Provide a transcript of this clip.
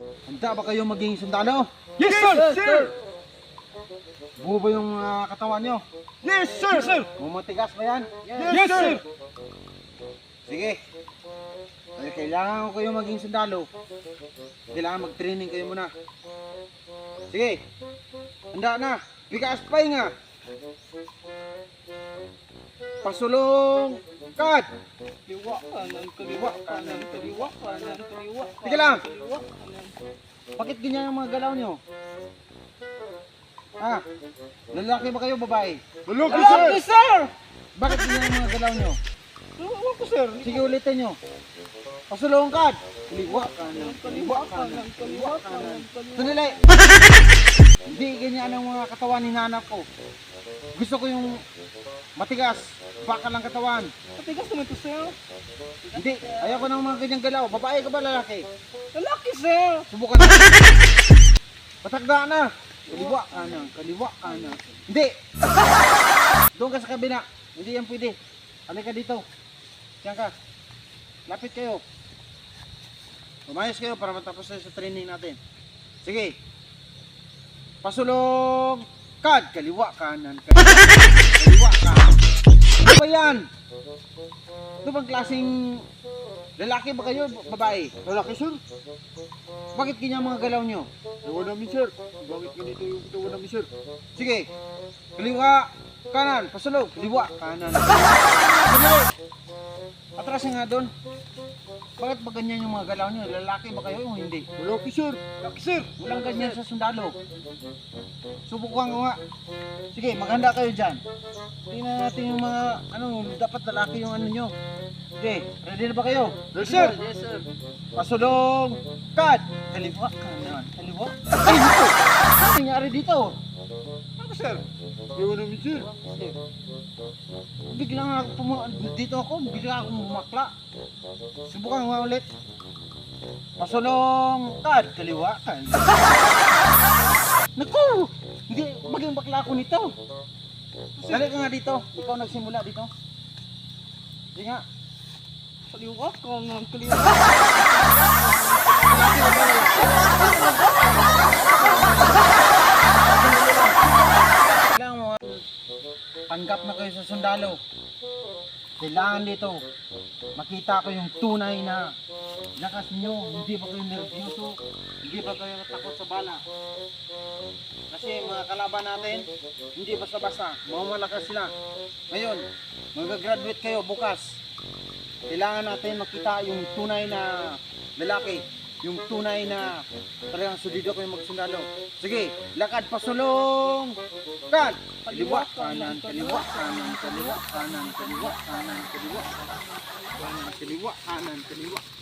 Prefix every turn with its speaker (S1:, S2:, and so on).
S1: Handa ba kayo maging sundalo?
S2: Yes, sir! Sir!
S1: Buo ba yung katawan nyo?
S2: Yes, sir! Sir!
S1: Mumatigas ba yan?
S2: Yes, sir!
S1: Sige. Dahil kailangan ko kayo maging sundalo. Kailangan mag-training kayo muna. Sige. Handa na. Bigas pahinga. Pasulong. Kat.
S2: Kaliwa, kanan, kaliwa, kanan, kaliwa, kanan, kaliwa.
S1: Sige lang.
S2: Kaliwa, kanan.
S1: Bakit ganyan yung mga galaw nyo? Ha? Lalaki ba kayo, babae?
S2: Lalaki, sir! Lalaki, sir!
S1: Bakit ganyan yung mga galaw nyo?
S2: Ewan ko, sir.
S1: Sige, ulitin nyo. Pasulong kat. Kaliwa, kanan,
S2: Kaliwa, kanan, kaliwa, kanan, kaliwa.
S1: Sandali. Hindi ganyan ang mga katawan ni nanap ko. Gusto ko yung matigas, bakal ang katawan.
S2: Matigas naman ito, sir.
S1: Hindi, ayaw ko ng mga ganyang galaw. Babae ka ba, lalaki?
S2: Lalaki, sir!
S1: Subukan na. Patagda na. Kaliwa, kanan, kaliwa, kanan. Hindi. Doon ka sa kabina. Hindi yan pwede. Halika dito. Diyan ka. Lapit kayo. Umayos kayo para matapos tayo sa training natin. Sige. Pasulong. Kad. Kaliwa, kanan, kaliwa, kanan. Ano ba yan? Ito bang klaseng lalaki ba kayo? Babae?
S2: Lalaki, sir.
S1: Bakit ganyan mga galaw nyo?
S2: Ewan namin, sir. Bakit ganito yung ewan namin, sir?
S1: Sige. Kaliwa, kanan, pasulog. Kaliwa, kanan. Pasulog. Atrasin nga doon. Bakit ba ganyan yung mga galaw nyo? Lalaki ba kayo o hindi?
S2: Lalaki, sir. Lalaki, sir.
S1: Walang ganyan sa sundalo. Subukan ko nga. Sige, maghanda kayo dyan. Tingnan natin yung mga, dapat lalaki yung ano nyo. Sige, ready na ba kayo?
S2: Yes, sir.
S1: Yes, sir. Pasulong. Cut. Kaliwa, kanan, kaliwa. Ay, dito. Ano nangyari dito?
S2: Ano, sir? Ewan namin, sir.
S1: Biglang dito ako, bigla akong bumakla. Subukan nga ulit. Pasulong. Cut. Kaliwa, kanan. Naku! Hindi, maging bakla ako nito. Dali ka nga dito. Ikaw nagsimula dito. Sige nga.
S2: Kaliwa, kanan, kaliwa.
S1: Kailangan mo tanggap na kayo sa sundalo. Kailangan dito makita ko yung tunay na lakas nyo. Hindi ba kayo nervyoso? Hindi ba kayo takot sa bala? Kasi mga kalaban natin, hindi basta-basta. Mga malakas sila. Ngayon, mag-graduate kayo bukas. Kailangan natin makita yung tunay na lalaki. Yung tunay na talagang solido kayo magsundalo. Sige, lakad pasulong. Kan! Kaliwa, kanan, kaliwa, kanan, kaliwa, kanan, kaliwa, kanan, kaliwa. Kanan, kaliwa, kanan, kaliwa.